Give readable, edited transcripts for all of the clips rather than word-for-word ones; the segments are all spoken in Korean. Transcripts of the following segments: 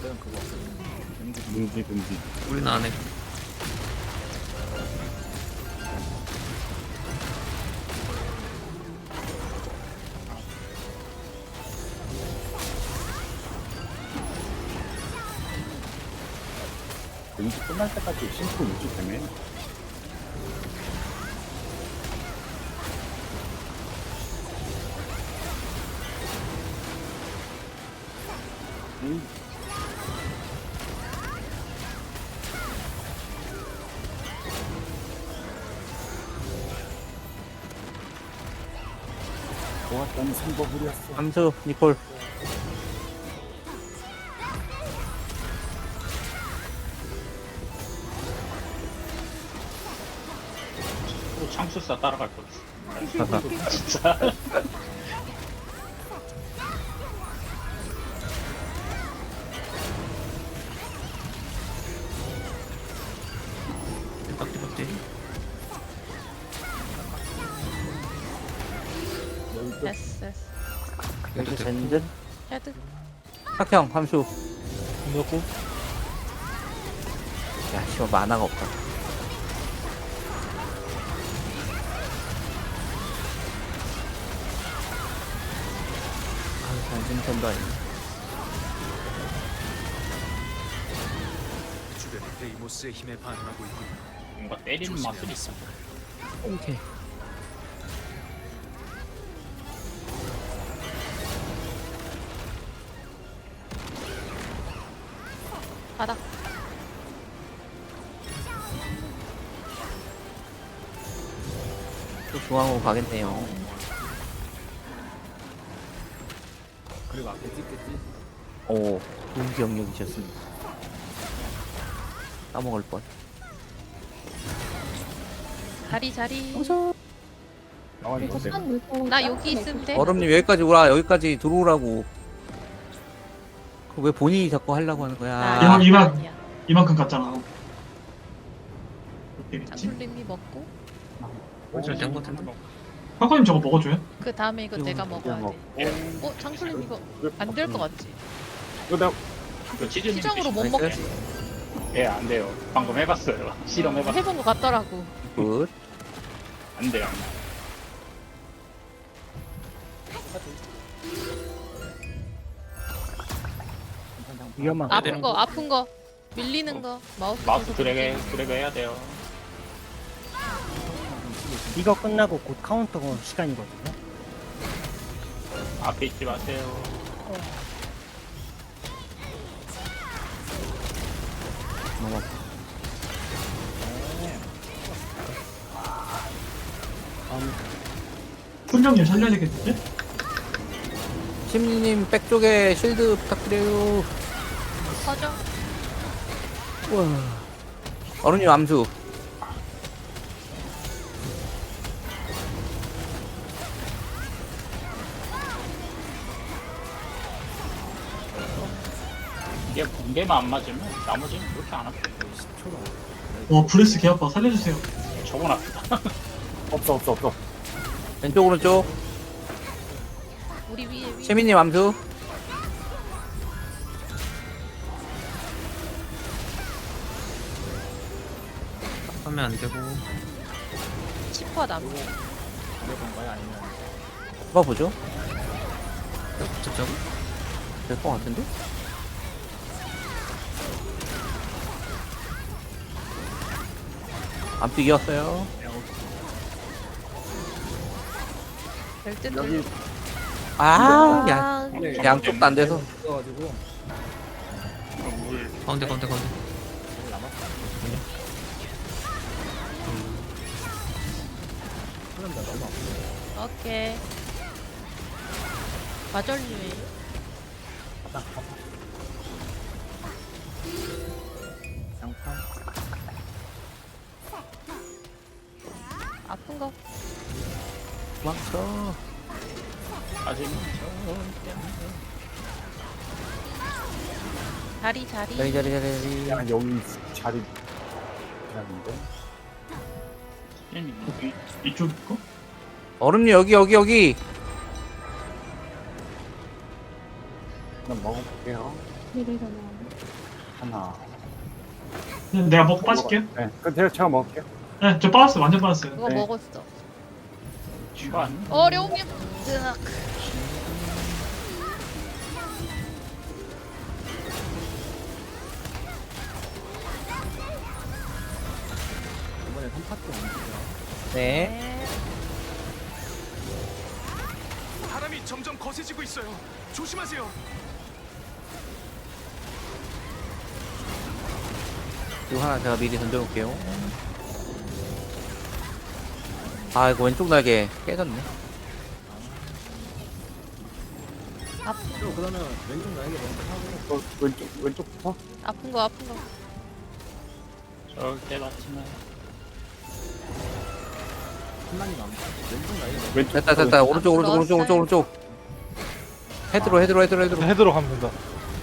그거 금지. 우리는 안 해. 금지 끝날 때까지 심플 유지되네. 좋았던 선거불이었어. 함수 니콜. 또 창술사 따라갈 거 있어. 진짜. 띠박띠박띠. 됐어 됐어. 여기 젠든. 헤드. 학형 함수. 누구? 야 씨발 만화가 없다. 아 단순편도 아니네. 주변의 데이모스의 힘에 반응하고 있군. 뭔가 때리는 맛은 있어. 오케이. 바닥. 또 중앙으로 가겠네요. 그리고 앞에 찍겠지? 오 좋은 기억력이셨습니다. 까먹을 뻔. 자리 자리. 나와리 이거 나 여기 있으면 돼. 얼음님 여기까지 오라. 여기까지 들어오라고. 그 왜 본인이 자꾸 하려고 하는 거야? 나 여기 이만. 아니야. 이만큼 갔잖아. 되겠지? 장술님이 먹고 잘된 것 같은데. 화가님 저거 먹어줘요? 그 다음에 이거 내가 먹어야 돼. 장술님 이거 안 될 것 같지? 이거 내가 그 치즈님 시정으로 못 나이스. 먹지. 예, 안 돼요. 방금 해봤어요. 실험해봤어요. 해본 것 같더라고. 굿. 안 돼요. 위험한. 아픈 거 밀리는 거 마우스. 마우스 계속 드래그 해야 돼요. 이거 끝나고 곧 카운터 시간이거든요. 앞에 있지 마세요. 훈령님 살려야 되겠는데? 심리님 백쪽에 실드 부탁드려요. 퍼져. 우와. 어른님 암수. 이게 번개만 안 맞으면 나머지는 그렇게 안 아파요. 와 브레스 개 아파. 살려주세요. 저건 아프다. 없어. 왼쪽 오른쪽. 우리 위에. 최민님 암수. 하면 안 되고. 치퍼 나무. 봐보죠. 붙잡자고. 될 것 같은데? 암수 이겼어요. 될 듯. 여기 아, 야, 네. 양쪽도 안 돼서. 있어가지고 가운데. 오케이. 마절류에. 아픈 거. 도망쳐. 아직은 자리. 자리. 그냥 여기 자리 그냥인데. 이쪽 거? 얼음님 여기. 그냥 먹어볼게요. 하나. 내가 먹고 빠질게요. 네, 그 제가 먹을게요. 네, 저 빠졌어요. 완전 빠졌어요. 그거 네. 먹었어. 이거 안 어려움이 뜨악. 네. 네. 바람이 점점 거세지고 있어요. 조심하세요. 이거 하나 제가 미리 던져놓을게요. 아, 이거 왼쪽 날개 깨졌네. 왼쪽부터? 아픈 거 아픈 거. 절대 맞지만 왼쪽. 됐다, 됐다. 오른쪽, 오른쪽, 오른쪽, 오른쪽, 오른쪽. 헤드로, 헤드로, 헤드로, 헤드로. 헤드로 가면 된다.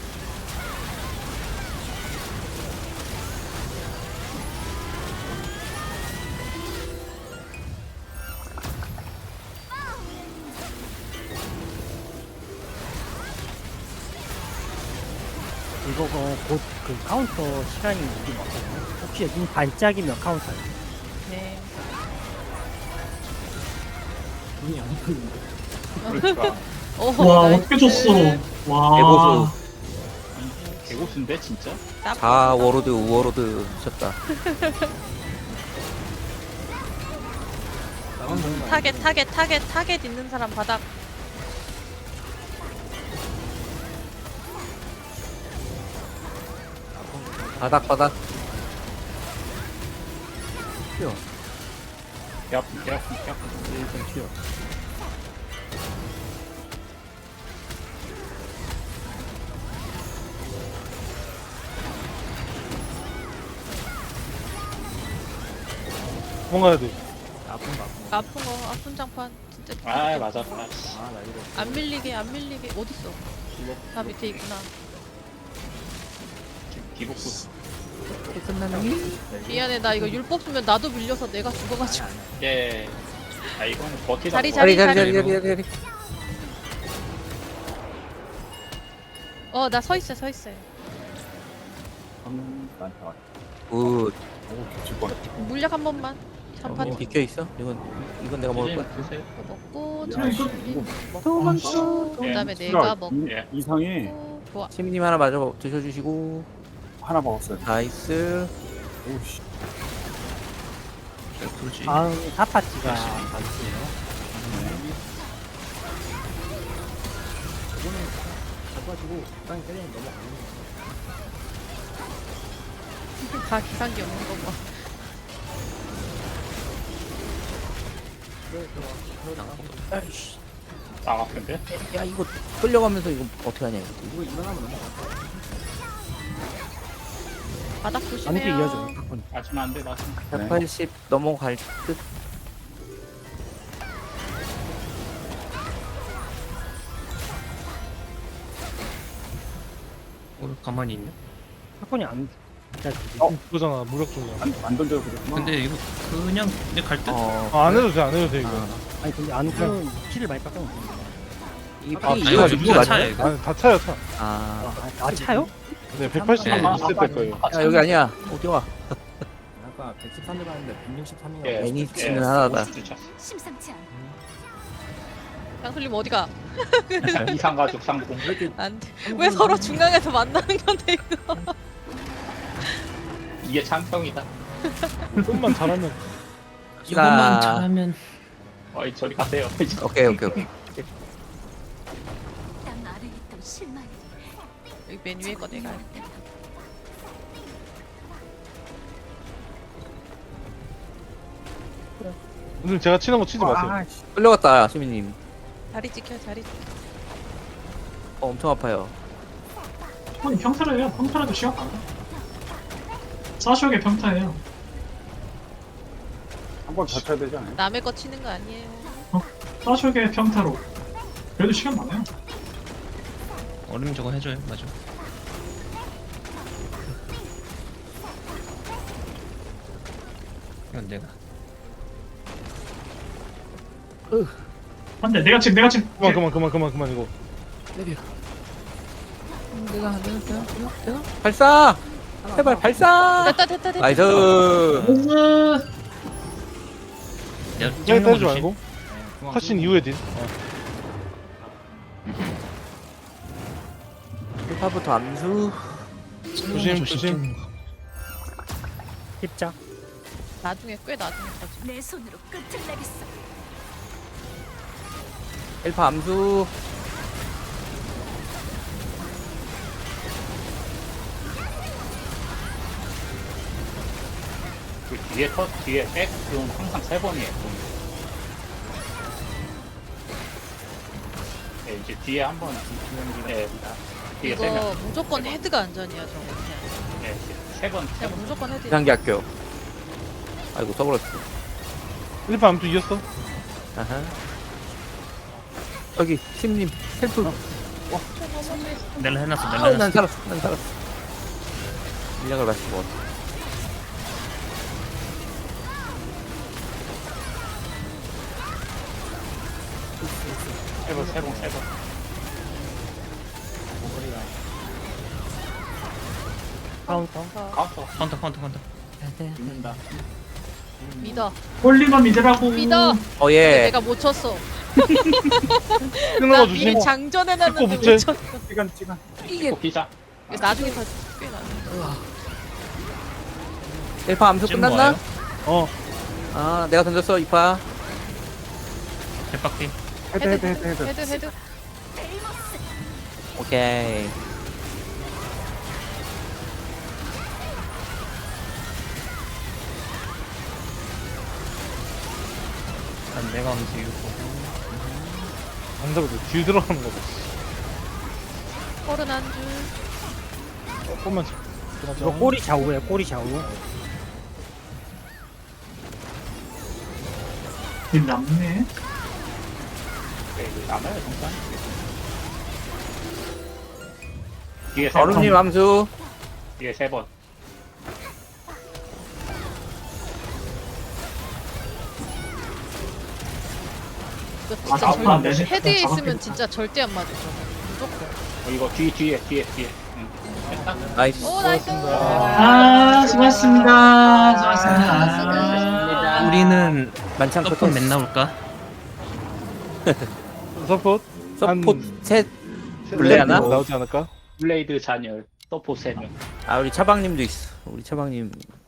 이거 곧 그 카운터 시간이 우리 맞거든요. 혹시 여기 반짝이면 카운터예요. 네. 그러니까 와, 나이스. 어떻게 줬어. 와. 개고수. 개고수인데 진짜? 자, 워로드, 우워로드 미쳤다. 타겟 있는 사람 바닥. 바닥, 바닥. 개 아픈 개 아픈 개 아픈. 일단 튀어. 도망가야 돼. 아픈 장판 진짜. 아 맞았다. 안 밀리게 어딨어? 다 밑에 있구나. 기복수. 미안해 나 이거 율법 쓰면 나도 밀려서 내가 죽어가지고. 예. 아 이거는 버티다. 자리, 자리, 자리, 자리. 자리, 자리, 자리. 나 서 있어요. 나한테 왔. 굿. 오, 질 뻔. 물약 한 번만. 장판 비켜 있어? 이건 내가 먹을 거야. 드세요. 먹고 야, 장술님 이거 먹고 그다음에 내가 먹고 예. 이상이 좋아. 시민님 하나 마저 드셔주시고. 하나 먹었어요. 나이스. 오씨. 그렇지. 다음 사파티가 맞고요. 다 기상기 없는 거 봐. 아이씨. 딱 아픈데? 야, 이거 끌려가면서 이거 어떻게 하냐, 이거. 바닥 안돼 조심해요. 이어져. 맞으면 안 돼. 맞으면. 180 넘어갈 듯. 오늘 가만히 있네. 사건이 안 진짜 그거잖아. 무력 중이야. 안 던져도 그랬구나. 근데 이거 그냥 내 갈 듯? 어. 안 해도 돼. 안 해도 돼 이거. 아니 근데 안 그러면 키를 많이 깎아놓은 이 아, 피 이거 이거 누구 누구 차야 맞냐? 이거? 아니 다 차요 차. 아, 아 차요? 네 180만 네. 있을 때 거예요. 야, 여기 아니야. 어디 와? 아까 113대 봤는데 163이가. 예. 애니치는 하나다. 심상치 않아. 장술님 어디가? 이상 가족 상봉. 안 돼. 왜 서로 중간에서 만나는 건데 이거? 이게 창평이다. 좀만 잘하면. 이것만 잘하면. 어이 저리 가세요. 오케이, 오케이, 오케이. 땅 아래 있던 실마리. 여기 맨 위에 거 내가 할게. 오늘 제가 치는 거 치지 마세요. 아, 씨. 끌려갔다, 시민님. 자리 지켜. 엄청 아파요. 아니, 평타래요. 평타라도 시간 가요. 사시오의 평타예요. 한 번 더 쳐야 되지 않아요? 남의 거 치는 거 아니에요. 사시오의 평타로. 그래도 시간 많아요. 얼음 저거 해줘요. 맞아. 이건 내가. 안돼, 내가 지금. 그만 이거. 발사! 제발 발사! 됐다. 나이스! 내가 때 찍는 거 때리지 조심. 말고. 컷신 이후에 딜. 1파부터 암수. 조심. 십자. 나중에 꽤 나중에 터지. 내 손으로 끝을 내겠어. 1파 암수. 그 뒤에 백은 항상 3번이에요. 네, 이제 뒤에 한 번. 네, 뒤에 3명. 이거 무조건 헤드가 안전이야 저거 그냥. 네, 3번. 그냥 무조건 헤드. 비상기 학교. 아이고 써버렸어. 1파 암투 이겼어. 아하. 여기 팀님 헬프. 내가 해놨어. 아우, 난 살았어. 인력을 마신 것 같아. 세 번. 카운터. 카운터. 카운터. 죽는다. 믿어. 홀리만 믿으라고. 믿어. 예. 내가 못 쳤어. 끊는 나 거 미리 조심. 장전해놨는데 찍고 못 붙여. 쳤어. 시간. 이게 피자. 이거 나중에 터지. 꽤 나중에. 1파 암수 지금 끝났나? 뭐예요? 어. 아, 내가 던졌어, 2파. 대박팀. 헤드. 오케이. 난 내가 하면서 이거 안 잡아도 딜 들어가는 거다. 홀은 한 줄. 조금만 이거 꼬리 좌우야, 꼬리 좌우. 일 남네. 네, 이거 남아요, 잠깐. 뒤에 3번. 얼음님 암수. 뒤에 3번. 이거 진짜 앞으로 안 되네. 헤드에 있으면 잡았겠다. 진짜 절대 안 맞아 저거. 무조건. 이거 뒤에. 응. 됐다. 나이스. 오 나이스. 수고하셨습니다. 우리는 만찬 서폿 끝. 맨 나올까? 서포트. 서포트 셋. 블레 하나? 나오지 않을까? 블레이드 잔열. 서포 3명. 아, 우리 차방님도 있어. 우리 차방님